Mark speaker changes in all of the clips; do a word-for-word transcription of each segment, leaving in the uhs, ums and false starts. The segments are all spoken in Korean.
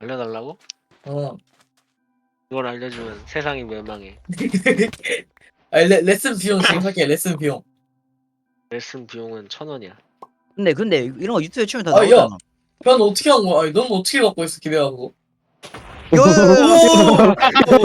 Speaker 1: 알려달라고?
Speaker 2: 어.
Speaker 1: 이걸 알려주면 세상이 멸망해.
Speaker 2: 아니, 레, 레슨 비용 지금 할게. 레슨 비용.
Speaker 1: 레슨 비용은 천 원이야.
Speaker 3: 근데 근데 이런 거 유튜브에 치면 다
Speaker 2: 아, 야.
Speaker 3: 나오잖아.
Speaker 2: 변 어떻게 한 거야? 아니, 넌 어떻게 갖고 있어, 기대하고.
Speaker 3: 요요요.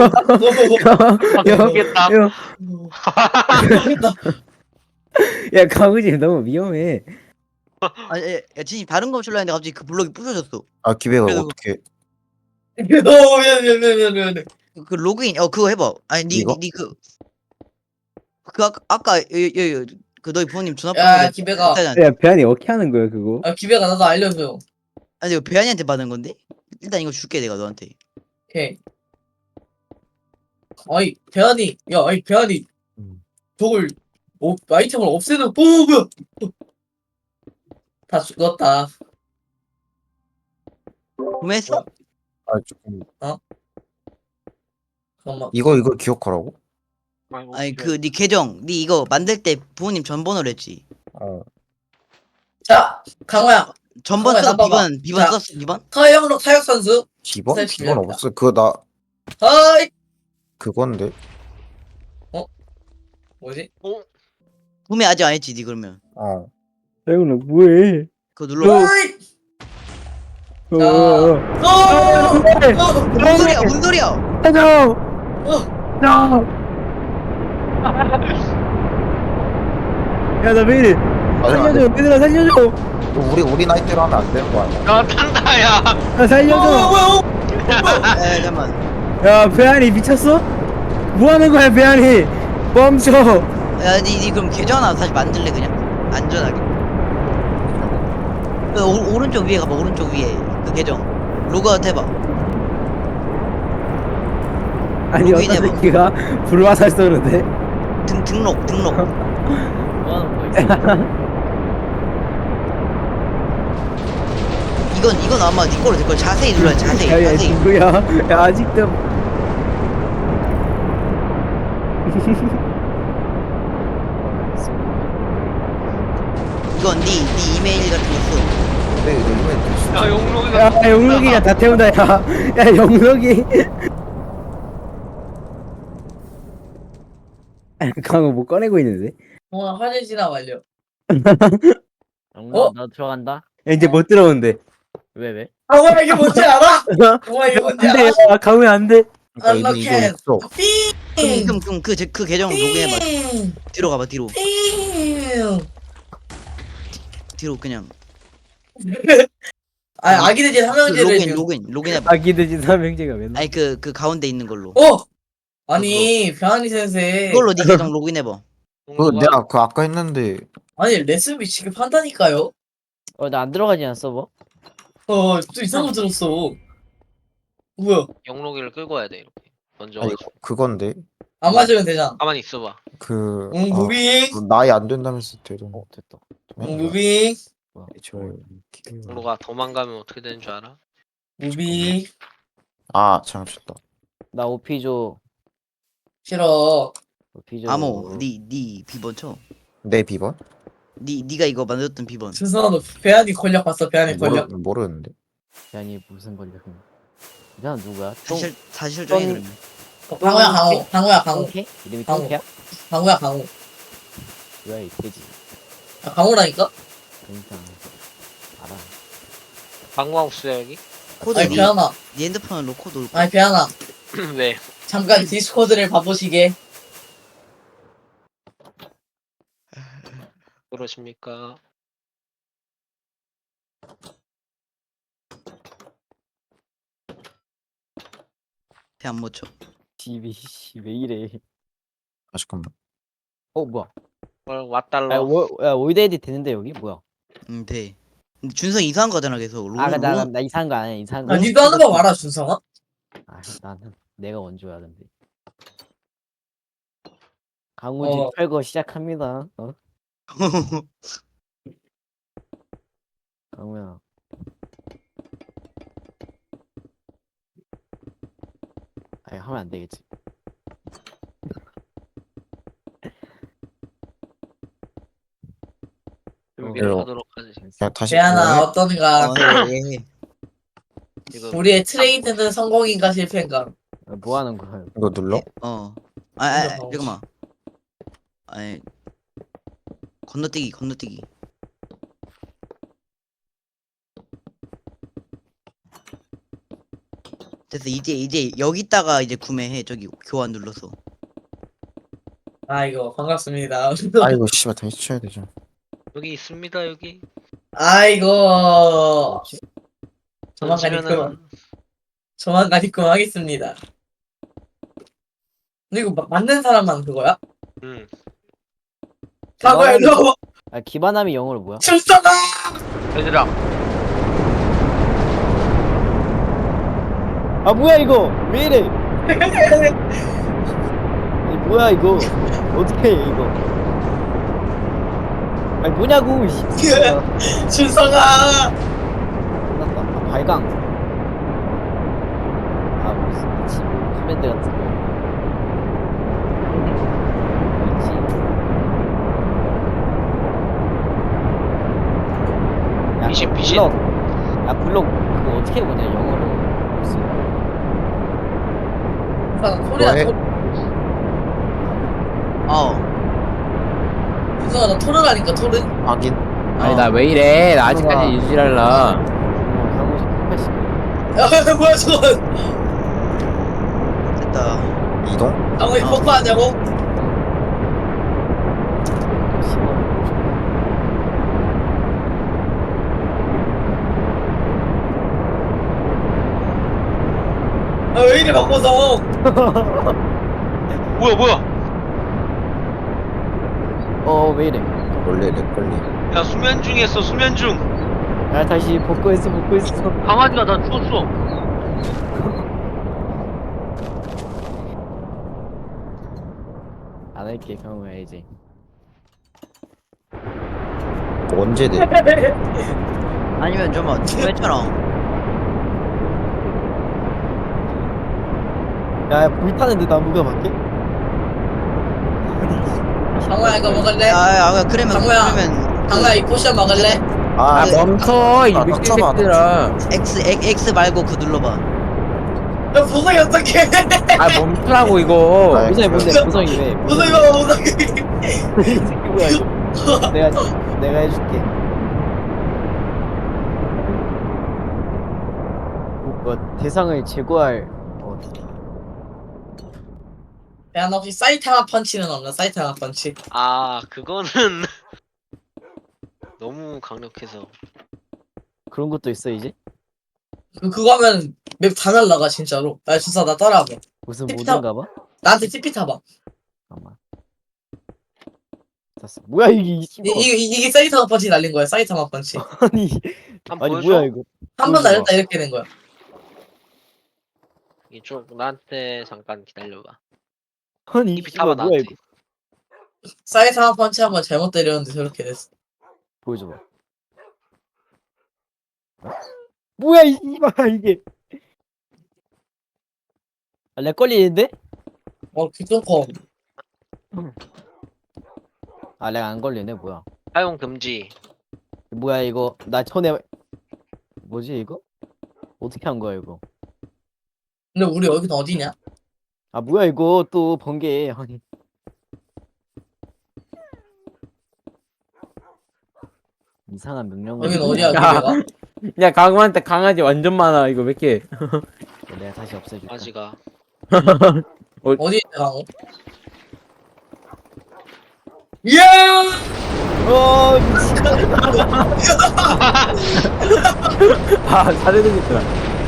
Speaker 1: 모르겠다.
Speaker 4: 야,
Speaker 2: 모르겠다.
Speaker 4: 야, 강우지 너무 위험해.
Speaker 3: 아니 야, 야 진이 다른 거 출라 했는데 갑자기 그 블록이 부서졌어.
Speaker 5: 아 기배가
Speaker 3: 그래도
Speaker 5: 어떻게
Speaker 2: 어, 미안, 미안, 미안, 미안, 미안.
Speaker 3: 그, 그 로그인 어 그거 해봐. 아니
Speaker 5: 이거?
Speaker 3: 니니그 그 아까 아까 여여 그 너희 부모님 전화번호
Speaker 2: 야, 기배가.
Speaker 4: 야, 배안이 어떻게 하는 거야, 그거?
Speaker 2: 아, 기배가 나도 알려줘.
Speaker 3: 아니 이거 배안이한테 받은 건데 일단 이거 줄게 내가 너한테.
Speaker 2: 오케이. 아이, 배안이, 야, 아이, 배안이.
Speaker 5: 음.
Speaker 2: 저걸, 어, 아이템을 없애는, 어, 뭐야. 다 죽었다.
Speaker 3: 구매했어?
Speaker 5: 아 조금
Speaker 2: 잠깐만.
Speaker 5: 이거 이걸 기억하라고?
Speaker 1: 아이고,
Speaker 3: 아니
Speaker 1: 그래.
Speaker 3: 그 니 계정 니 이거 만들 때 부모님 전번호를 했지.
Speaker 5: 어
Speaker 2: 자, 강호야.
Speaker 3: 전번
Speaker 2: 잠깐만,
Speaker 3: 써서
Speaker 2: 나 봐봐.
Speaker 3: 비번 비번
Speaker 2: 자.
Speaker 3: 썼어 비번?
Speaker 2: 타영록 타격 선수.
Speaker 5: 기본?
Speaker 2: 셀
Speaker 5: 기본
Speaker 2: 기억이다.
Speaker 5: 없어. 그거 나
Speaker 2: 하이.
Speaker 5: 그건데.
Speaker 2: 뭐지?
Speaker 1: 어?
Speaker 3: 구매 아직 안 했지 니 그러면.
Speaker 5: 어
Speaker 4: 태훈아, 뭐해?
Speaker 3: 그거 눌러.
Speaker 2: 하이.
Speaker 4: 어,
Speaker 2: 자.
Speaker 4: 어, 어.
Speaker 2: 어, 어,
Speaker 3: 뭔 소리야 뭔 소리야?
Speaker 4: 살려!
Speaker 2: 어.
Speaker 4: 야! 야, 나 왜 이래?
Speaker 5: 맞아.
Speaker 4: 살려줘, 얘들아, 살려줘!
Speaker 5: 우리 우리 나이대로 하면 안 되는 거 아니야?
Speaker 1: 야 탄다 야.
Speaker 4: 야,
Speaker 2: 뭐야,
Speaker 4: 살려줘!
Speaker 2: 뭐야, 뭐야.
Speaker 3: 야 잠만.
Speaker 4: 야, 배안이 미쳤어? 뭐 하는 거야, 배안이? 멈춰!
Speaker 3: 야니 니 그럼 계정 하나 다시 만들래 그냥 안전하게. 그 오, 오른쪽 위에 가봐 오른쪽 위에 그 계정 로그아웃 해봐.
Speaker 4: 아니, 어떤
Speaker 3: 로그인해봐.
Speaker 4: 새끼가 불화살 쏘는데?
Speaker 3: 등 등록 등록. 이건 이건 아마 니 거로 될걸. 자세히 눌러야 돼, 자세히
Speaker 4: 야, 야,
Speaker 3: 자세히.
Speaker 4: 누구야? 야, 아직도.
Speaker 3: 이건 니 니 이메일 같은 거 써.
Speaker 5: 근데 이거 이거 됐어.
Speaker 1: 야 용록이가.
Speaker 4: 야, 영록이가 다 태운다, 야. 야, 영록이. 강호 뭐 꺼내고 있는데?
Speaker 2: 어, 나 화질 진화 완료.
Speaker 6: 영훈아
Speaker 2: 어?
Speaker 6: 너 들어간다?
Speaker 4: 야, 이제 못 들어온대.
Speaker 6: 왜 왜?
Speaker 2: 강호야, 이게 뭔지 알아? 강호야, 이게 뭔지
Speaker 4: 안 돼,
Speaker 2: 알아?
Speaker 4: 야, 강호야, 안 돼.
Speaker 5: 그러니까 이거 이거
Speaker 2: 언로켓.
Speaker 5: 있어.
Speaker 2: 삥.
Speaker 3: 그럼 그럼 그 그 계정 로그인해봐.
Speaker 2: 삥.
Speaker 3: 뒤로 가봐 뒤로.
Speaker 2: 삥.
Speaker 3: 뒤로 그냥.
Speaker 2: 아, 아기돼지
Speaker 3: 그
Speaker 2: 삼형제를
Speaker 3: 로그인
Speaker 2: 지금.
Speaker 3: 로그인 로그인해봐.
Speaker 4: 아기돼지 삼형제가 맨날.
Speaker 3: 아니 그 그 가운데 있는 걸로.
Speaker 2: 어! 아니, 변환이 센세.
Speaker 3: 그걸로 니 계정 로그인해봐.
Speaker 5: 그거 내가 그 아까 했는데
Speaker 2: 아니, 레슨비 지급한다니까요?
Speaker 6: 어 나 안 들어가지 않아 서버?
Speaker 2: 어, 또 이상한 거 들었어. 뭐야?
Speaker 1: 용록이를 끌고 와야 돼 이렇게. 먼저
Speaker 5: 아니
Speaker 1: 가지고.
Speaker 5: 그건데
Speaker 2: 안 맞으면 되잖아.
Speaker 1: 가만히 있어봐.
Speaker 5: 그
Speaker 2: 응,
Speaker 5: 어,
Speaker 2: 무빙.
Speaker 5: 그 나이 안 된다면서 되던.
Speaker 6: 어 됐다.
Speaker 2: 응, 무빙.
Speaker 5: 저
Speaker 1: 용록아 도망가면 어떻게 되는 줄 알아?
Speaker 2: 무빙.
Speaker 5: 아 잘못했다.
Speaker 6: 나 오피 줘.
Speaker 2: 싫어.
Speaker 6: 오피 줘.
Speaker 3: 암호 니니 비번 쳐.
Speaker 5: 내 비번?
Speaker 3: 니 니가 이거 만들었던 비번.
Speaker 2: 준성아, 너 배안이 권력 봤어, 배안이
Speaker 5: 모르
Speaker 2: 권력.
Speaker 5: 모르는데.
Speaker 6: 아니 무슨 권력? 이 사람 누구야?
Speaker 3: 사실 사실 정해 그러면.
Speaker 2: 어, 강호야, 강호. 강호야, 강호.
Speaker 6: 똥개? 이름이
Speaker 2: 강호.
Speaker 6: 똥개야?
Speaker 2: 강호야, 강호.
Speaker 6: 뭐야 이 돼지?
Speaker 2: 아, 강호라니까?
Speaker 6: 그러니까 알아.
Speaker 1: 방광수야 여기?
Speaker 3: 코드
Speaker 2: 아니,
Speaker 3: 니,
Speaker 2: 배안아.
Speaker 3: 니 핸드폰으로 코드 올.
Speaker 2: 아니, 배안아.
Speaker 1: 왜?
Speaker 2: 잠깐 디스코드를 봐보시게.
Speaker 1: 그러십니까?
Speaker 3: 배안 못 쳐.
Speaker 6: 집이 씨왜 이래?
Speaker 5: 아 잠깐만.
Speaker 6: 어 뭐야?
Speaker 1: 뭘
Speaker 6: 야,
Speaker 1: 왓달러.
Speaker 6: 워, 야 월드에디 되는데 여기 뭐야?
Speaker 3: 응 돼. 근데 준성 이상한 거잖아 계속. 로그
Speaker 6: 아나 나,
Speaker 3: 로그
Speaker 6: 나 이상한 거 아니야 이상한 거.
Speaker 2: 아, 니도 하는 거 알아, 준성아?
Speaker 6: 아 나는 내가 원조야 근데. 강우지
Speaker 2: 어.
Speaker 6: 철거 시작합니다. 어? 강우야. 아니 하면 안 되겠지.
Speaker 1: 준비를
Speaker 5: 어.
Speaker 1: 하도록 하지.
Speaker 5: 그냥 다시
Speaker 2: 배안아,
Speaker 5: 그거해?
Speaker 2: 어떤가?
Speaker 3: 어, 해, 해, 해.
Speaker 1: 지금
Speaker 2: 우리의 트레이드는 성공인가 실패인가?
Speaker 6: 아, 뭐 하는 거야?
Speaker 5: 이거 눌러?
Speaker 3: 어. 아, 아, 아
Speaker 2: 올려봐.
Speaker 3: 잠깐만. 아니 건너뛰기 건너뛰기. 됐어 이제 이제 여기다가 이제 구매해 저기 교환 눌러서.
Speaker 2: 아 이거 반갑습니다.
Speaker 5: 아이고 씨발 다시 쳐야 되죠.
Speaker 1: 여기 있습니다 여기.
Speaker 2: 아이고
Speaker 6: 뭐지?
Speaker 2: 조만간 입금
Speaker 1: 던지면은
Speaker 2: 조만간 입금하겠습니다. 근데 이거 마- 맞는 사람만 그거야?
Speaker 1: 음
Speaker 2: 사고야 일로 와봐.
Speaker 6: 아 기반함이 영어로 뭐야?
Speaker 2: 출사다.
Speaker 1: 얘들아
Speaker 6: 아 뭐야 이거? 왜 이래? 아니 뭐야 이거? 어떻게 해 이거? 아니 뭐냐고 씨.
Speaker 2: 출사가.
Speaker 6: 끝났다. 아, 발광. 아 무슨 미치 뭐 커맨드 같은 거. 뭐지? 야,
Speaker 1: 미신,
Speaker 6: 그
Speaker 1: 미신.
Speaker 6: 블럭. 야 블럭 그거 어떻게 보냐 영어로. 무슨
Speaker 2: 소리야.
Speaker 5: 뭐해?
Speaker 2: 토-
Speaker 3: 어.
Speaker 2: 유성아 나 토르라니까 토르.
Speaker 5: 확인.
Speaker 4: 아니
Speaker 3: 어.
Speaker 4: 나 왜 이래? 나
Speaker 6: 뭐가.
Speaker 4: 아직까지 유지랄라.
Speaker 6: 어, 강호식 팔팔십.
Speaker 2: 야 뭐야 저건.
Speaker 3: 됐다.
Speaker 5: 이동?
Speaker 2: 강호이
Speaker 3: 어.
Speaker 2: 뽀뽀하냐고? 아 왜 이래 바꿔서.
Speaker 1: 뭐야 뭐야
Speaker 6: 어, 왜 이래?
Speaker 5: 원래 렉 걸리.
Speaker 1: 야 수면 중이었어 수면 중.
Speaker 6: 야, 다시 복구했어, 복구했어.
Speaker 1: 강아지가 나 죽었어.
Speaker 6: 안 할게, 경우야, 이제.
Speaker 5: 언제 돼?
Speaker 3: 아니면 좀만 지금 했잖아.
Speaker 6: 야, 불타는데 나무가 밖에?
Speaker 2: 강호야 이거 먹을래?
Speaker 3: 야야 그러면
Speaker 2: 장모야.
Speaker 3: 그러면
Speaker 2: 강호야 이 포션 먹을래?
Speaker 5: 아,
Speaker 4: 아 멈춰 이
Speaker 5: 아,
Speaker 4: 미친
Speaker 5: 멈춰봐,
Speaker 4: 새끼들아.
Speaker 3: X X X 말고 그 눌러봐.
Speaker 2: 야 보석이 어떡해.
Speaker 4: 아 멈추라고 이거.
Speaker 5: 아,
Speaker 6: 보성이 뭔데,
Speaker 2: 저-
Speaker 6: 보성이 왜?
Speaker 2: 보석이 봐봐 보석이.
Speaker 6: 이 새끼 뭐야, 이거. 내가, 내가 해줄게. 뭐, 대상을 제거할, 어,
Speaker 2: 야 너 혹시 사이타마 펀치는 없나? 사이타마 펀치.
Speaker 1: 아 그거는 너무 강력해서.
Speaker 6: 그런 것도 있어, 이제?
Speaker 2: 그 그거 하면 맵 다 날라가 진짜로. 야 진짜 나 따라와봐.
Speaker 6: 무슨
Speaker 2: 틱톡.
Speaker 6: 모드인가 봐?
Speaker 2: 나한테 티피 타봐.
Speaker 6: 잠깐만. 됐어. 뭐야, 이게, 이
Speaker 2: 이,
Speaker 6: 씨발.
Speaker 2: 이, 이- 이게 사이타마 펀치 날린 거야. 사이타마 펀치.
Speaker 6: 아니,
Speaker 1: 한번
Speaker 6: 아니,
Speaker 1: 보여줘.
Speaker 6: 뭐야, 이거.
Speaker 2: 한 번
Speaker 6: 보여줘봐.
Speaker 2: 날렸다 이렇게 된 거야.
Speaker 1: 이쪽 나한테 잠깐 기다려봐.
Speaker 6: 아니,
Speaker 1: 티피
Speaker 6: 씨발,
Speaker 1: 타봐
Speaker 6: 뭐야,
Speaker 1: 나한테.
Speaker 6: 이거.
Speaker 2: 사이타마 펀치 한 번 잘못 때렸는데 저렇게 됐어.
Speaker 6: 보여줘봐. 어? 뭐야 이 씨발 이게. 아, 렉 걸리는데?
Speaker 2: 어 귀뚱커.
Speaker 6: 아, 렉 안 걸리네. 뭐야?
Speaker 1: 사용 금지.
Speaker 6: 뭐야 이거? 나 전에 뭐지 이거? 어떻게 한 거야 이거?
Speaker 2: 근데 우리 여기는 어디냐?
Speaker 6: 아, 뭐야 이거 또 번개. 아니. 이상한 명령을.
Speaker 2: 여기는 어디야?
Speaker 4: 야.
Speaker 2: 우리가?
Speaker 4: 야 강우한테 강아지 완전 많아 이거 몇 개.
Speaker 6: 내가 다시 없애줄게.
Speaker 1: 강아지가.
Speaker 2: 어디 있냐 강호? 이야!
Speaker 6: 어 미친.
Speaker 4: 아 잘해주겠더라.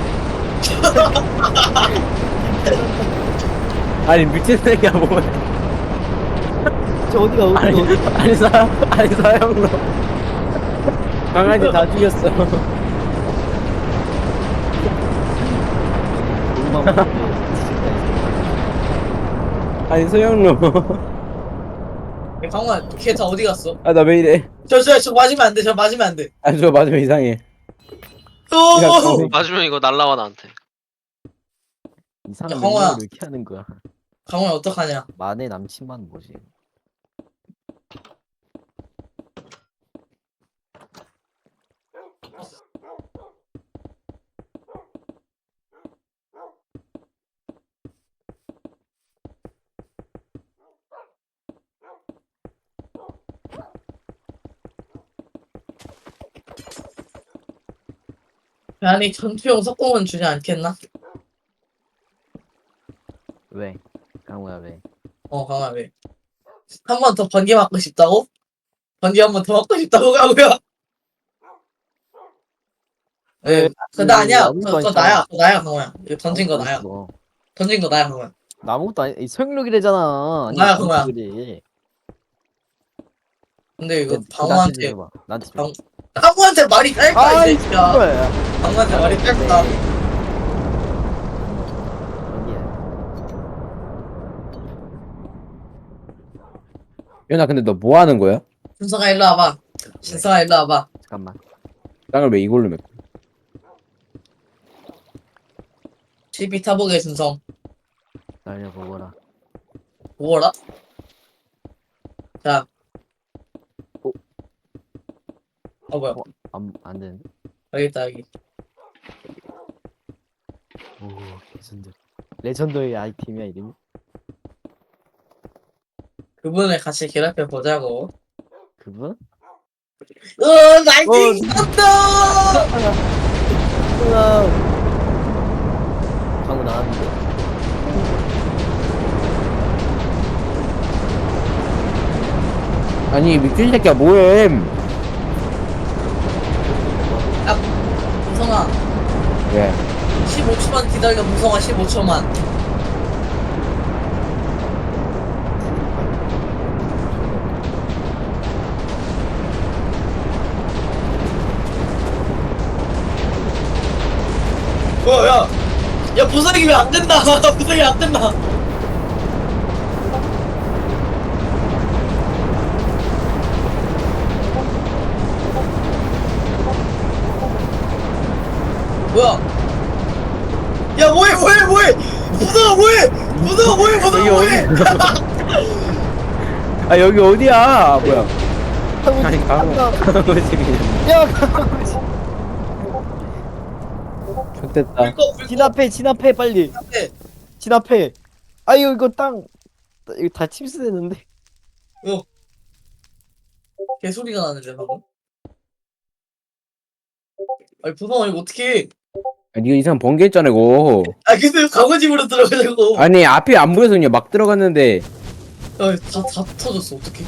Speaker 4: 아니 미친 새끼야 뭐야.
Speaker 6: 저 어디가 어디
Speaker 4: 아니
Speaker 6: 어디?
Speaker 4: 아니 사 아니 사형로. 강아지 다 죽였어.
Speaker 6: 얼마나
Speaker 4: 아니 소영로.
Speaker 2: 강호야 걔 다 어디 갔어?
Speaker 4: 아 나 왜 이래?
Speaker 2: 저 저 저 맞으면 안 돼. 저 맞으면 안 돼.
Speaker 4: 아 저 맞으면 이상해.
Speaker 2: 오!
Speaker 1: 맞으면 이거 날라와 나한테.
Speaker 6: 이상한
Speaker 2: 야, 황호야.
Speaker 6: 명령을 이렇게 하는 거야.
Speaker 2: 강호야 어떡하냐?
Speaker 6: 만의 남친만 뭐지?
Speaker 2: 아니 전투용 석공은 주지 않겠나?
Speaker 6: 왜? 강우야 왜?
Speaker 2: 어 강아 왜? 한 번 더 번개 맞고 싶다고? 번개 한 번 더 맞고 싶다고 강우야? 네, 그나 아니야.
Speaker 6: 아무것도
Speaker 2: 그거
Speaker 6: 아니잖아.
Speaker 2: 나야. 그거 나야 강우야. 이거 던진 거 나야.
Speaker 6: 어.
Speaker 2: 던진 거 나야 강우야.
Speaker 6: 나 아무것도 아니 소용력이래잖아. 아니
Speaker 2: 나야, 그거야.
Speaker 6: 그래.
Speaker 2: 근데 이거
Speaker 6: 그
Speaker 2: 방어한테
Speaker 6: 줘봐. 나한테 줘.
Speaker 2: 방- 강우한테 말이 짧다
Speaker 6: 아,
Speaker 2: 이
Speaker 6: 이
Speaker 2: 새끼야.
Speaker 6: 거야.
Speaker 2: 강우한테 말이 짧다.
Speaker 4: 연아 근데 너 뭐 하는 거야?
Speaker 2: 준성아 일로 와봐. 준성아 일로 와봐.
Speaker 6: 잠깐만.
Speaker 4: 땅을 왜 이걸로 맺고?
Speaker 2: 집이 타보게 준성.
Speaker 6: 날려보거라.
Speaker 2: 뭐라? 자.
Speaker 6: 어?
Speaker 2: 어 뭐야?
Speaker 6: 어? 안, 안 되는데?
Speaker 2: 여기 있다 여기.
Speaker 6: 오, 레전드. 레전드의 아이템이야 이름이?
Speaker 2: 그분을 같이 괴롭혀 보자고.
Speaker 6: 그분?
Speaker 2: 으 나이팅 떴다.
Speaker 6: 으아. 방금 나왔는데?
Speaker 4: 아니 미친 새끼야 뭐해?
Speaker 2: 무성아
Speaker 4: 왜?
Speaker 2: 십오 초만 기다려. 무성아 십오 초만. 어, 야, 야, 부서기 왜 안 된다? 부서기 안 된다. 뭐야? 야, 뭐해, 뭐해, 뭐해? 무서워, 뭐해? 무서워, 뭐해, 무서워,
Speaker 4: 여기
Speaker 2: 뭐해?
Speaker 4: 어디? 아 여기 어디야? 뭐야? 아니 강우 강우 지금
Speaker 6: 야, 강아지.
Speaker 4: 좋됐다.
Speaker 2: 불꺼, 불꺼.
Speaker 6: 진압해, 진압해, 빨리.
Speaker 2: 네.
Speaker 6: 진압해. 아유, 이거 땅. 이거 다 침수됐는데.
Speaker 2: 개소리가 나는데 방금. 아니 부성아 이거 어떻게?
Speaker 4: 아, 니가 이상 번개 했잖아 이거.
Speaker 2: 아 근데 강호집으로 들어가려고.
Speaker 4: 아니 앞이 안 보여서 그냥 막 들어갔는데.
Speaker 2: 다다 터졌어 어떻게?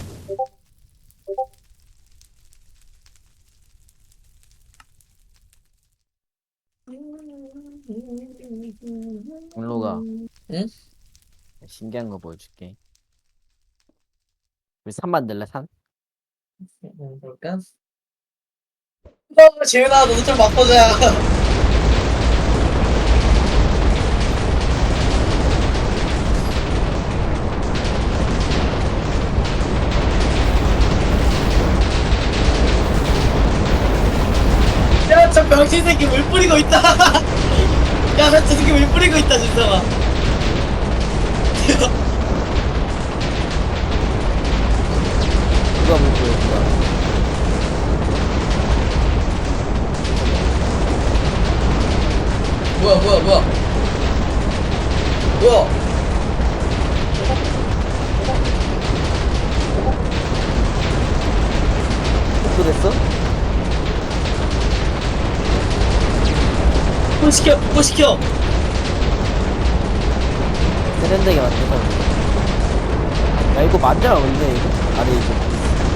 Speaker 6: 물로가.
Speaker 2: 응?
Speaker 6: 신기한 거 보여줄게. 우리 산 만들래, 산?
Speaker 2: 음, 볼까? 어 재윤아 너도 좀 바꿔줘야. 야, 저 병신 새끼 물 뿌리고 있다. 야, 나 저 새끼 물 뿌리고 있다, 진짜가.
Speaker 6: 누가 물 보여줄까?
Speaker 2: 뭐야, 뭐야, 뭐야. 뭐야.
Speaker 6: 복구됐어?
Speaker 2: 복구시켜, 복구시켜.
Speaker 6: 세련되게 만들어. 야, 이거 맞아, 근데 이거? 아니, 이거.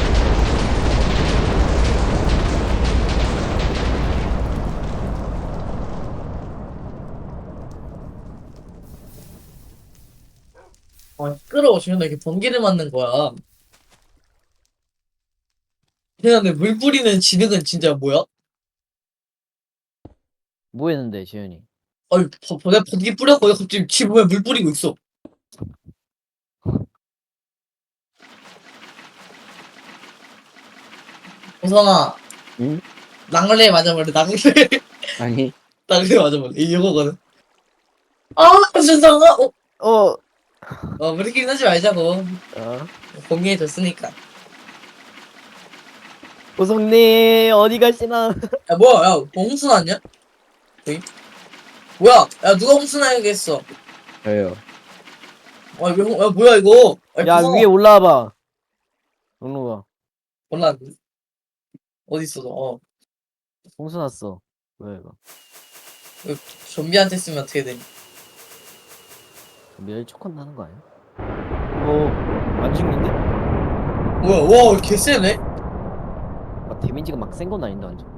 Speaker 2: 아, 시끄러워, 지금 나 이렇게 번개를 맞는 거야. 그냥 근데 물 뿌리는 지능은 진짜 뭐야?
Speaker 6: 뭐 했는데, 지현이?
Speaker 2: 아니, 버, 버, 내가 번개 뿌렸고, 갑자기 지 몸에 물 뿌리고 있어. 우성아.
Speaker 4: 응?
Speaker 2: 낭래 맞아볼래, 낭래.
Speaker 4: 아니
Speaker 2: 낭래 맞아볼래. 이거거든. 아, 준성아! 어,
Speaker 6: 어,
Speaker 2: 어, 우리끼리 하지 말자고.
Speaker 6: 어.
Speaker 2: 공개해줬으니까.
Speaker 6: 오성님, 어디 가시나?
Speaker 2: 야, 뭐야, 야, 뭐 홍수 났냐? 여기? 뭐야, 야, 누가 홍수 나게 했어?
Speaker 4: 저요.
Speaker 2: 아, 왜, 홍- 야, 뭐야, 이거? 아니,
Speaker 6: 야,
Speaker 2: 부성아.
Speaker 6: 위에 올라와봐. 올라와.
Speaker 2: 올라왔네. 어디 있어, 너? 어.
Speaker 6: 홍수 났어. 뭐야 이거?
Speaker 2: 좀비한테 쓰면 어떻게 되니?
Speaker 6: 멸 초콘 나는 거 아니야? 오안 죽는데?
Speaker 2: 뭐야, 와, 개쎄네?
Speaker 6: 막 데미지가 막 센 건 아닌데 완전.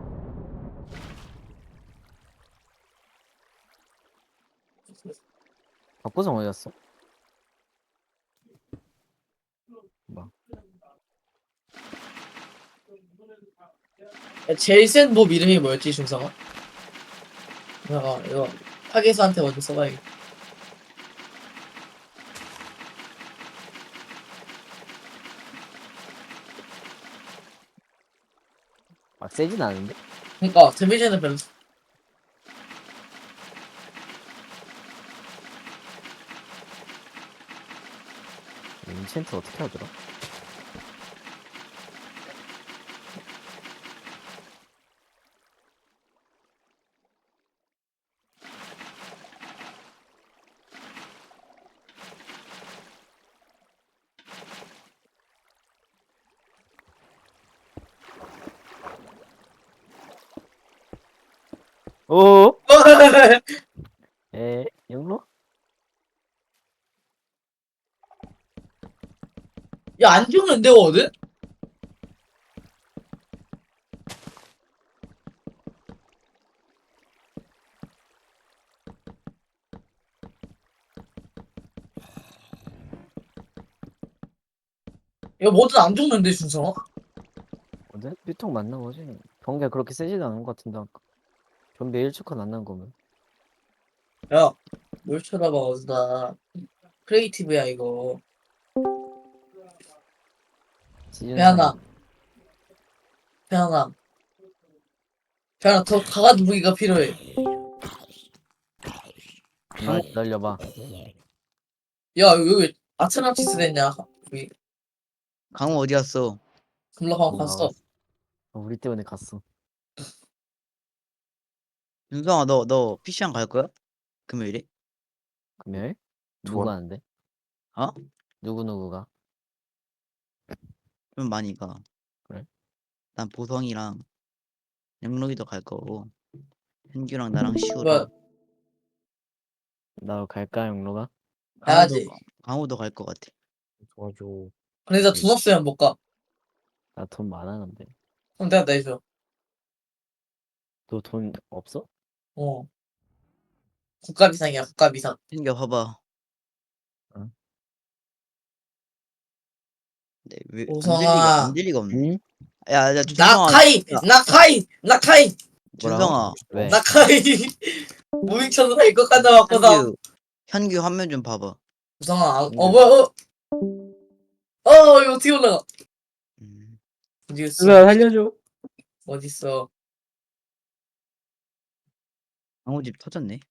Speaker 6: 박보성 어디 갔어? 뭐?
Speaker 2: 야, 제일 센 몹 이름이 뭐였지, 중성아? 잠깐, 이거, 파괴수한테 먼저 써봐야겠다.
Speaker 6: 막 세진 않은데?
Speaker 2: 그니까, 데미지는 별로.
Speaker 6: 인챈트 어떻게 하더라? 오! 에 영로?
Speaker 2: 야, 안 죽는데, 거든? 야, 뭐든 안 죽는데, 중성아?
Speaker 6: 어제 삐통 맞나 보지? 경기가 그렇게 세지도 않은 것 같은데 아까. 좀비 일 초콘 안 난 거면.
Speaker 2: 야, 뭘 쳐다봐, 어디다. 크리에이티브야, 이거.
Speaker 6: 시즌
Speaker 2: 배하나.
Speaker 6: 삼.
Speaker 2: 태양아. 태양아, 더 강한 무기가 필요해.
Speaker 6: 나 기다려봐.
Speaker 2: 야, 여기 왜 아트란티스 됐냐? 여기,
Speaker 3: 강호 어디 갔어?
Speaker 2: 금락하고
Speaker 6: 어,
Speaker 2: 갔어.
Speaker 6: 나갔어. 어, 우리 때문에 갔어.
Speaker 3: 윤성아 너 너 피시방 갈 거야? 금요일에?
Speaker 6: 금요일? 누구
Speaker 5: 좋아.
Speaker 6: 하는데?
Speaker 3: 어?
Speaker 6: 누구 누구가?
Speaker 3: 좀 많이 가.
Speaker 6: 그래?
Speaker 3: 난 보성이랑 영록이도 갈 거고 현규랑 나랑
Speaker 2: 뭐야,
Speaker 3: 시우랑
Speaker 6: 나 갈까 영로가?
Speaker 3: 강호도
Speaker 2: 가야지.
Speaker 3: 강호도 갈 것 같아.
Speaker 5: 도와줘.
Speaker 2: 근데 나 돈 없으면 못 가.
Speaker 6: 나 돈 많았는데.
Speaker 2: 그럼 내가 내줘.
Speaker 6: 너 돈 없어?
Speaker 2: 어. 국가 비상이야, 국가 비상.
Speaker 3: 현규 봐봐.
Speaker 6: 응?
Speaker 3: 네, 왜안 될 리가
Speaker 2: 우성아.
Speaker 3: 안 될 리가 없네.
Speaker 6: 응?
Speaker 3: 야, 야, 준성아,
Speaker 2: 나카이!
Speaker 3: 야,
Speaker 2: 나카이! 나카이!
Speaker 3: 준성아,
Speaker 6: 왜?
Speaker 2: 나카이! 무빙쳐도 될 것 같다, 맞거든.
Speaker 3: 현규, 현규 화면 좀 봐봐.
Speaker 2: 우성아, 아, 어,
Speaker 6: 근데-
Speaker 2: 뭐야, 어? 어, 이거 어떻게 올라가?
Speaker 3: 음.
Speaker 2: 어디있어?
Speaker 4: 누나 살려줘.
Speaker 2: 어딨어?
Speaker 3: 강호 집 터졌네.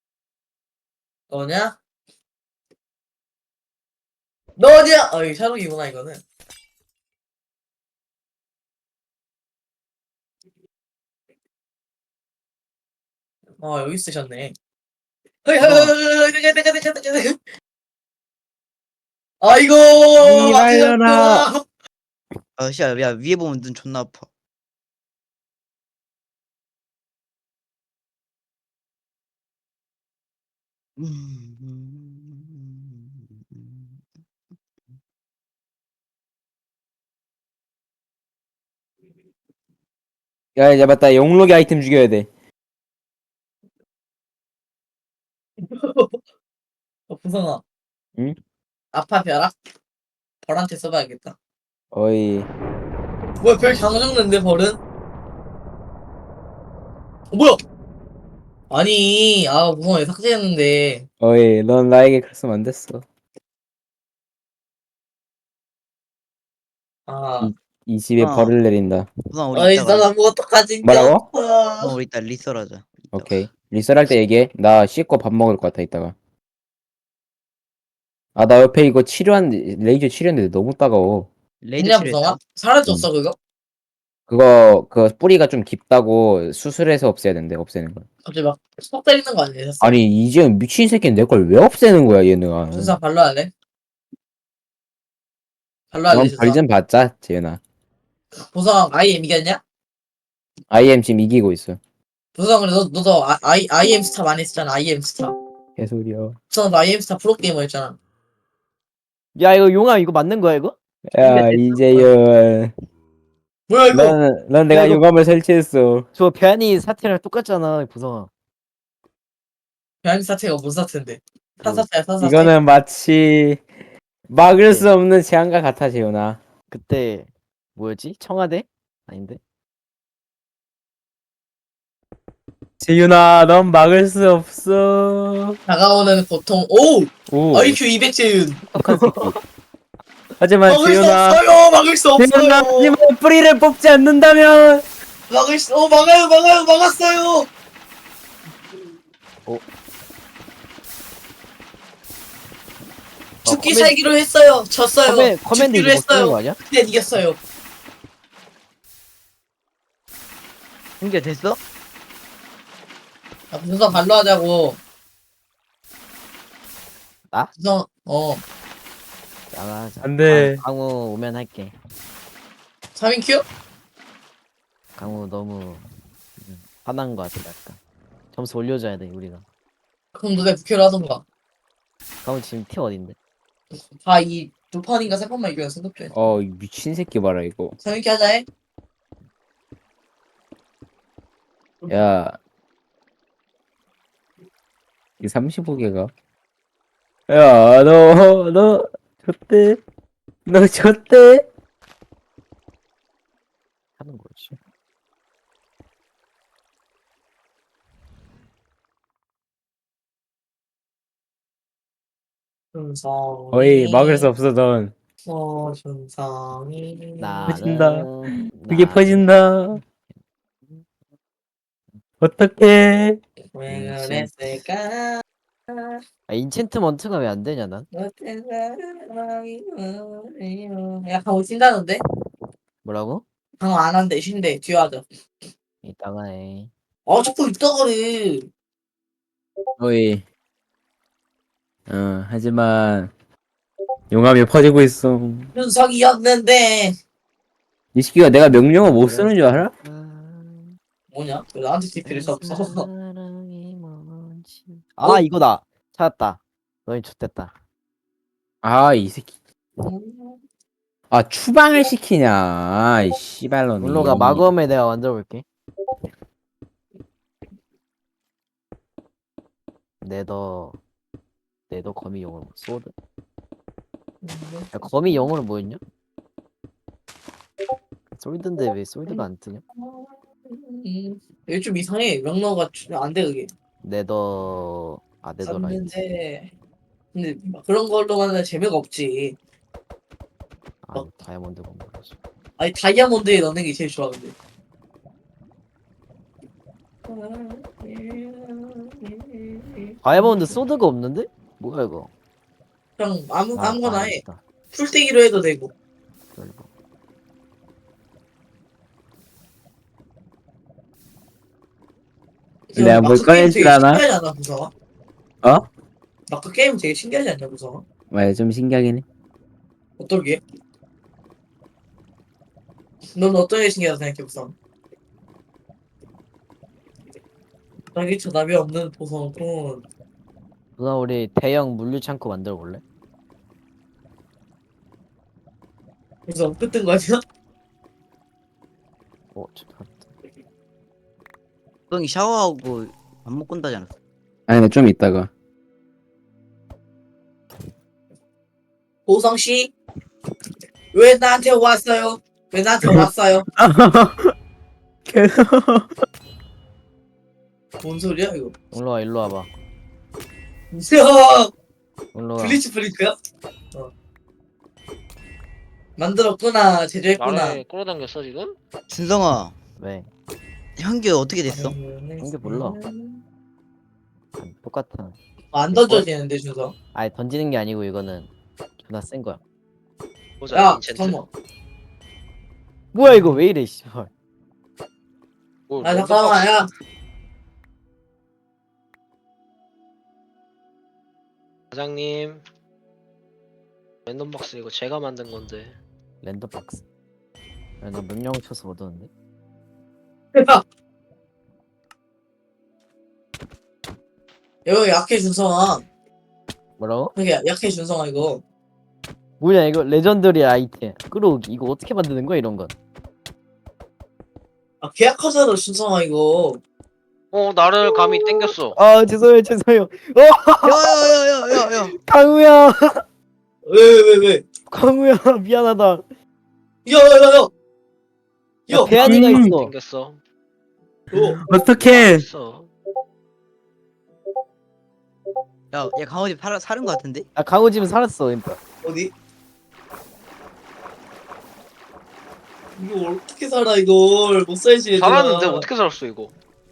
Speaker 2: 너냐? 너냐? 어, 이 샤록이구나, 이거는. 어, 여기 쓰셨네. 허이, 허이, 허이, 허이, 내가, 내가, 내가, 내가, 내가. 아이고,
Speaker 4: 이발려라.
Speaker 2: 맞으셨구나.
Speaker 3: 아, 씨, 야, 위에 보면 눈 존나 아파. 음.
Speaker 4: 야, 이제 맞다. 영록이 아이템 죽여야 돼.
Speaker 2: 어, 부성아.
Speaker 4: 응?
Speaker 2: 아파, 벼락? 벌한테 써봐야겠다.
Speaker 4: 어이.
Speaker 2: 뭐야, 별 장정는데, 벌은? 어, 뭐야? 아니, 아, 무서워, 왜 삭제했는데.
Speaker 4: 어이. 넌 나에게 그랬으면 안 됐어.
Speaker 2: 아,
Speaker 4: 이 집에
Speaker 3: 어.
Speaker 4: 벌을 내린다.
Speaker 3: 우선 우리
Speaker 2: 어이,
Speaker 3: 이따가
Speaker 2: 난 아무것도 가진 게
Speaker 4: 뭐라고?
Speaker 2: 없어.
Speaker 3: 우선 우리 이따 리설하자. 이따가.
Speaker 4: 오케이. 리썰할 때 얘기해. 나 씻고 밥 먹을 것 같아, 이따가. 아, 나 옆에 이거 치료한, 레이저 치료했는데 너무 따가워.
Speaker 3: 레이드
Speaker 2: 있냐,
Speaker 3: 치료했다.
Speaker 2: 무성아? 사라졌어, 그거?
Speaker 4: 그거, 그 뿌리가 좀 깊다고 수술해서 없애야 된대, 없애는 걸.
Speaker 2: 갑자기 막, 속 때리는 거 아니야, 됐어?
Speaker 4: 아니, 이제 미친 새끼는 내 걸 왜 없애는 거야, 얘는.
Speaker 2: 준사 발로 할래? 발로 할래,
Speaker 4: 넌
Speaker 2: 준사?
Speaker 4: 벌 좀 받자, 재현아.
Speaker 2: 보성 아이엠 이겼냐?
Speaker 4: 아이엠 지금 이기고 있어.
Speaker 2: 부서 그래 너 너도 아, 아이 아이엠 스타 많이 했잖아. 아이엠 스타.
Speaker 4: 개소리야.
Speaker 2: 부서 너 아이엠 스타 프로 게이머였잖아.
Speaker 6: 야 이거 용암 이거 맞는 거야 이거?
Speaker 4: 야 이재현.
Speaker 2: 뭐야 이거?
Speaker 4: 넌, 넌 내가
Speaker 6: 이거-
Speaker 4: 유감을 설치했어.
Speaker 6: 저 배안이 사태랑 똑같잖아 부성아.
Speaker 2: 배아니 사태가 뭔 사태인데? 사사태야 사사태.
Speaker 4: 이거는 마치 막을 수 없는 재앙과 같아 재현아.
Speaker 6: 그때 뭐였지? 청와대? 아닌데?
Speaker 4: 재윤아 넌 막을 수 없어.
Speaker 2: 다가오는 고통. 오!
Speaker 4: 오.
Speaker 2: 아이큐 이백 재윤.
Speaker 4: 똑똑한 새끼. 하지만
Speaker 2: 막을 수
Speaker 4: 재윤아.
Speaker 2: 없어요. 막을 수
Speaker 4: 재윤아
Speaker 2: 없어요.
Speaker 4: 하지만 뿌리를 뽑지 않는다면.
Speaker 2: 막을 수. 어 막아요 막아요 막았어요. 죽기
Speaker 6: 커맨-
Speaker 2: 살기로 했어요. 졌어요.
Speaker 6: 커맨, 커맨드
Speaker 2: 죽기로
Speaker 6: 이거 못 쓰는 거
Speaker 2: 했어요.
Speaker 6: 아니야?
Speaker 2: 근데 이겼어요.
Speaker 3: 공개 됐어?
Speaker 2: 아, 분석 발로 하자고.
Speaker 6: 나?
Speaker 2: 분석 어
Speaker 6: 나가자.
Speaker 4: 안 돼.
Speaker 6: 강- 강우 오면 할게.
Speaker 2: 삼 인 큐?
Speaker 6: 강우 너무 음, 화난 거 같아 약간. 점수 올려줘야 돼 우리가.
Speaker 2: 그럼 너네 부캐를 하던가.
Speaker 6: 강우 지금 티 어딘데?
Speaker 2: 아이 두 판인가 세 판만 이겨야 승급 돼.
Speaker 4: 어, 이 미친 새끼 봐라 이거.
Speaker 2: 삼 인 큐 하자 해.
Speaker 4: 야, 이 삼십오 개가. 야, 너, 너, 졌대. 너 졌대.
Speaker 6: 하는 거지.
Speaker 2: 준성이.
Speaker 4: 거의 막을 수 없어, 넌.
Speaker 2: 어 준성이.
Speaker 4: 퍼진다.
Speaker 6: 나는
Speaker 4: 그게
Speaker 6: 나는
Speaker 4: 퍼진다. 어떡해.
Speaker 2: 왜
Speaker 6: 음,
Speaker 2: 그랬을까?
Speaker 6: 아, 인챈트먼트가 왜 안 되냐 난?
Speaker 2: 어떤 사랑이 우리요. 야 강호 찐다는데?
Speaker 6: 뭐라고?
Speaker 2: 강호 안 한대 쉰대 뒤에 하자.
Speaker 6: 이따가 해.
Speaker 2: 어 자꾸 있다 그래.
Speaker 4: 어이. 어, 하지만, 용암이 퍼지고 있어.
Speaker 2: 준석이었는데
Speaker 4: 이 새끼가 내가 명령어 못 쓰는 줄 알아?
Speaker 2: 뭐냐? 왜 나한테 티피를 써?
Speaker 6: 사랑이 뭔지. 아 이거다. 찾았다. 너희 좋댔다.
Speaker 4: 아, 이 새끼. 아, 추방을 시키냐. 아이, 씨발놈이.
Speaker 6: 물로가 마검에 내가 만들어 볼게. 네더 네더 거미 용어로 뭐, 소드. 야, 거미 영어로 뭐였냐? 솔드인데 왜 솔드가 안 뜨냐?
Speaker 2: 이게 좀 이상해. 명령어가 안 돼 그게.
Speaker 6: 네더 아 네더 라인.
Speaker 2: 썼는데 근데 막 그런 걸로만은 재미가 없지.
Speaker 6: 아 다이아몬드 건물이지.
Speaker 2: 아니 다이아몬드에 넣는 게 제일 좋아 근데.
Speaker 6: 다이아몬드 소드가 없는데? 뭐야 이거?
Speaker 2: 그냥 아무
Speaker 6: 아,
Speaker 2: 아무거나
Speaker 6: 아,
Speaker 2: 해.
Speaker 6: 있다.
Speaker 2: 풀떼기로 해도 되고.
Speaker 6: 기다려봐.
Speaker 4: 내가 뭘
Speaker 2: 마크 게임
Speaker 4: 꺼낼 줄
Speaker 2: 되게
Speaker 4: 아나?
Speaker 2: 신기하지 않아 무서워?
Speaker 4: 어?
Speaker 2: 마크 게임 되게 신기하지 않냐 무서워?
Speaker 4: 맞아, 좀 신기하긴 해.
Speaker 2: 어떨게? 넌 어떤 게 신기하다 생각해 무서워? 자기 전압이 없는 보석은
Speaker 6: 누나 우리 대형 물류 창고 만들어 볼래?
Speaker 2: 무서워 끝든 거 아니야?
Speaker 6: 어 좋다.
Speaker 3: 형이 샤워하고 밥 먹고 온다지 않았어?
Speaker 4: 아니, 나 좀 이따가.
Speaker 2: 보성 씨, 왜 나한테 왔어요? 왜 나한테 왔어요?
Speaker 4: 계속.
Speaker 2: 뭔 소리야 이거?
Speaker 6: 일로 와 일로 와봐.
Speaker 2: 이야,
Speaker 6: 일로 와.
Speaker 2: 블리츠 블리츠야? 어. 만들었구나, 제조했구나.
Speaker 1: 나를 끌어당겼어 지금?
Speaker 3: 준성아,
Speaker 6: 왜?
Speaker 3: 현규 어떻게 됐어?
Speaker 6: 한개 몰라. 아, 똑같아.
Speaker 2: 안 던져지는데 준서.
Speaker 6: 아니 던지는 게 아니고 이거는 존나 센 거야.
Speaker 1: 보자.
Speaker 2: 야,
Speaker 1: 인챈트.
Speaker 2: 잠깐만.
Speaker 6: 뭐야 이거 왜 이래 씨발.
Speaker 1: 뭘
Speaker 2: 아
Speaker 1: 랜덤박스-
Speaker 2: 잠깐만, 야.
Speaker 1: 사장님. 랜덤박스 이거 제가 만든 건데.
Speaker 6: 랜덤 박스. 야, 나 명령 쳐서 얻었는데.
Speaker 2: 야, 이거 약해 준성아.
Speaker 6: 뭐라고?
Speaker 2: 되게 약해 준성아 이거.
Speaker 6: 뭐냐 이거 레전더리 아이템 끌어오기 이거 어떻게 만드는 거야 이런 건?
Speaker 2: 아 계약하잖아 준성아 이거.
Speaker 1: 어 나를 감히 땡겼어.
Speaker 6: 아 죄송해요 죄송해요.
Speaker 3: 야야야야야야.
Speaker 6: 강우야
Speaker 2: 왜 왜 왜 왜?
Speaker 6: 강우야 미안하다.
Speaker 2: 야야야야. 야.
Speaker 6: 야, 대안이가
Speaker 4: 음.
Speaker 6: 있어.
Speaker 1: 땡겼어.
Speaker 2: 어.
Speaker 4: 어떡해.
Speaker 1: 있어.
Speaker 3: 야, 야 강호집 살 사는 거 같은데?
Speaker 6: 아 강우 집은 살았어 그러니까.
Speaker 2: 어디? 이거 어떻게 살아 이걸 못 살지 얘들아.
Speaker 1: 살았는데 어떻게 살았어 이거?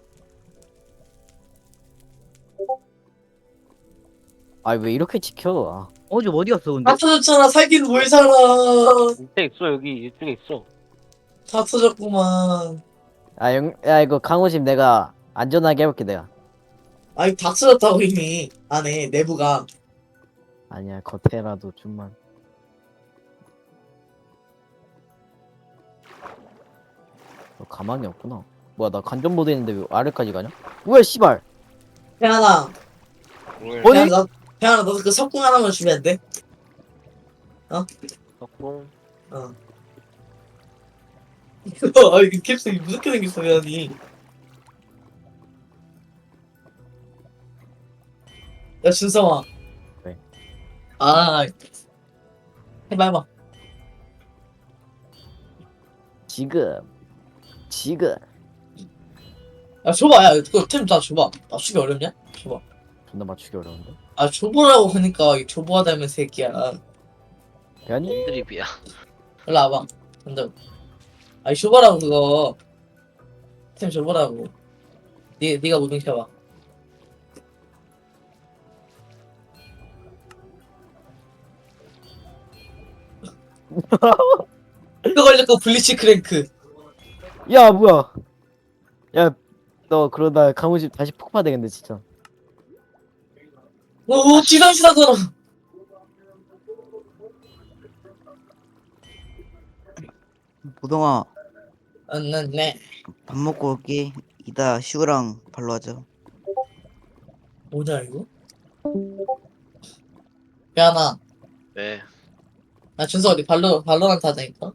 Speaker 6: 아 왜 이렇게 지켜? 아,
Speaker 3: 어, 좀 어디 갔어 근데?
Speaker 2: 다 터졌잖아. 살긴 뭘 살아.
Speaker 1: 밑에 있어 여기 이쪽에 있어.
Speaker 2: 다 터졌구만.
Speaker 6: 아, 영, 야 이거 강우 집 내가 안전하게 해볼게 내가.
Speaker 2: 아니 다 터졌다고 이미 안에 내부가.
Speaker 6: 아니야 겉에라도 좀만. 너 가망이 없구나. 뭐야 나 간전 모드 있는데 왜 아래까지 가냐? 뭐야 씨발.
Speaker 2: 태연아.
Speaker 1: 뭘?
Speaker 6: 어디?
Speaker 2: 태연아 너 태연아 너도 그 석궁 하나만 주면 안 돼?
Speaker 1: 석궁.
Speaker 2: 어. 아 이거 캡슐이 무섭게 생겼어 태연이. 야 준성아.
Speaker 6: 왜?
Speaker 2: 아 해봐 해봐.
Speaker 6: 지금 지금
Speaker 2: 야 줘봐. 야 그거 템 다 줘봐. 맞추기 어렵냐? 줘봐.
Speaker 6: 존나 맞추기 어려운데.
Speaker 2: 아 줘보라고 하니까 이 줘보하다면 새끼야.
Speaker 6: 아니
Speaker 1: 드립이야.
Speaker 2: 일로 와봐. 근데 아니 줘보라고 그거. 템 줘보라고. 니 니가 무빙 켜봐. 이거 걸렸고 블리치 크랭크.
Speaker 6: 야 뭐야? 야 너 그러다 강우 집 다시 폭파되겠네 진짜.
Speaker 2: 오 지상시다잖아.
Speaker 3: 보동아,
Speaker 2: 안났네.
Speaker 3: 밥 먹고 올게. 이따 슈그랑 발로 하자.
Speaker 2: 뭐냐 이거? 야나
Speaker 1: 네.
Speaker 2: 나 준서 어디 발로 발로란트 하자니까.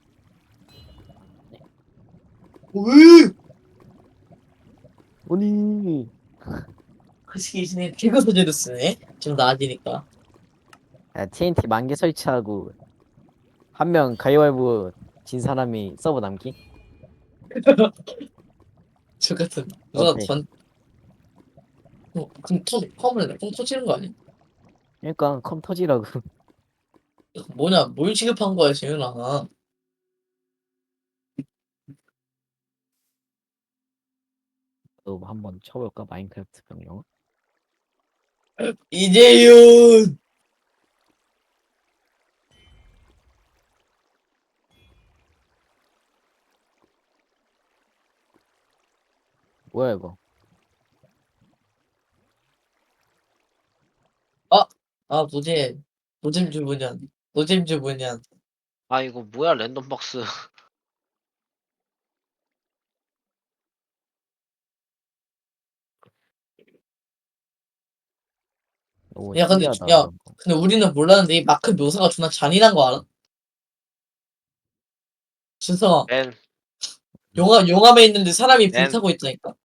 Speaker 2: 왜?
Speaker 6: 오니
Speaker 2: 그 시기신에 개그 소재로 쓰네. 좀 나아지니까.
Speaker 6: 야 티엔티 만개 설치하고 한 명 가위바위보 진 사람이 서버 남기?
Speaker 2: 저 같은 누가
Speaker 6: 어때?
Speaker 2: 전. 어, 그럼 터 컴을 뻥 터지는 거 아니야?
Speaker 6: 그러니까 컴 터지라고.
Speaker 2: 뭐냐 뭘 취급한 거야 지윤아.
Speaker 6: 너 한번 쳐볼까 마인크래프트 병영?
Speaker 2: 이재윤.
Speaker 6: 뭐야 이거?
Speaker 2: 아 노잼 노잼 주문연 노잼 주문연.
Speaker 1: 아 이거 뭐야 랜덤 박스.
Speaker 6: 너무
Speaker 2: 야, 근데
Speaker 6: 신기하다,
Speaker 2: 야.
Speaker 6: 이런 거.
Speaker 2: 근데 우리는 몰랐는데 이 마크 묘사가 존나 잔인한 거 알아? 준성아
Speaker 1: 맨.
Speaker 2: 용암 용암에 있는데 사람이 불
Speaker 1: 맨.
Speaker 2: 타고 있다니까.